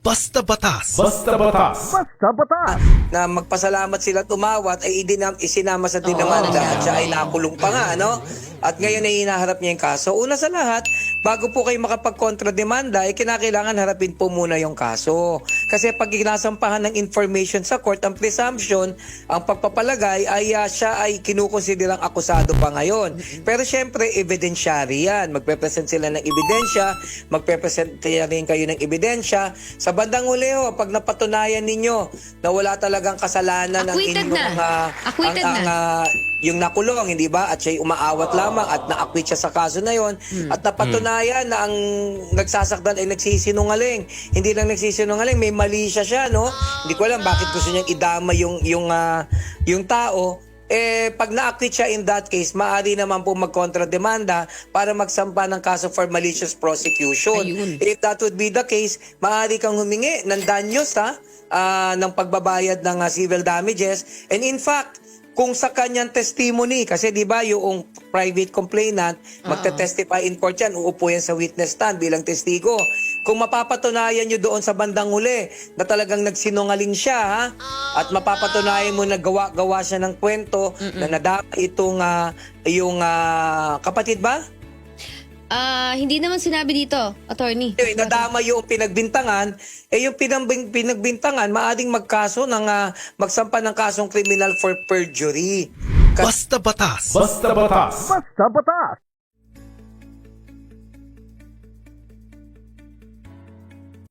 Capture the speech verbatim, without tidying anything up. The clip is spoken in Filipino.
Basta Batas. Basta Batas. Basta Batas. Na magpasalamat sila tumawat ay idinam, isinama sa dinamanda at siya ay nakulong pa nga, ano? At ngayon ay hinaharap niya yung kaso. Una sa lahat, bago po kayo makapag-kontrademanda, ay kinakailangan harapin po muna yung kaso. Kasi pag inasampahan ng information sa court, ang presumption, ang pagpapalagay ay uh, siya ay kinukonsiderang akusado pa ngayon. Pero syempre, evidensyari yan. Magpe-present sila ng ebidensya, magpe-present rin kayo ng ebidensya. Sa bandang huli ho, pag napatunayan ninyo na wala talagang kasalanan ng Acquitted inyong na. uh, Acquitted ang, ang, na. uh, yung nakulong, hindi ba? At siya'y umaawat lamang at na-acquit siya sa kaso na yon. Hmm. At napatunayan na ang nagsasakdal ay nagsisinungaling. Hindi lang nagsisinungaling, may mali siya siya, no? Hindi ko alam bakit gusto niyang idama yung yung uh, yung tao. Eh, pag na-acquit siya in that case, maaari naman po magkontrademanda para magsampa ng kaso for malicious prosecution. Ayun. If that would be the case, maaari kang humingi ng danyos, ha? Ah, ng pagbabayad ng uh, civil damages. And in fact, kung sa kanyang testimony, kasi di ba yung private complainant, magte-testify in court yan, uupo yan sa witness stand bilang testigo. Kung mapapatunayan nyo doon sa bandang huli na talagang nagsinungaling siya, ha? At mapapatunayan mo na gawa-gawa siya ng kwento na nadama itong uh, yung uh, kapatid ba? Ah, hindi naman sinabi dito, attorney. Eh, nadama yung pinagbintangan, eh yung pinambing, pinagbintangan, maaring magkaso ng, uh, magsampa ng kasong criminal for perjury. Basta Batas. Basta Batas. Basta Batas.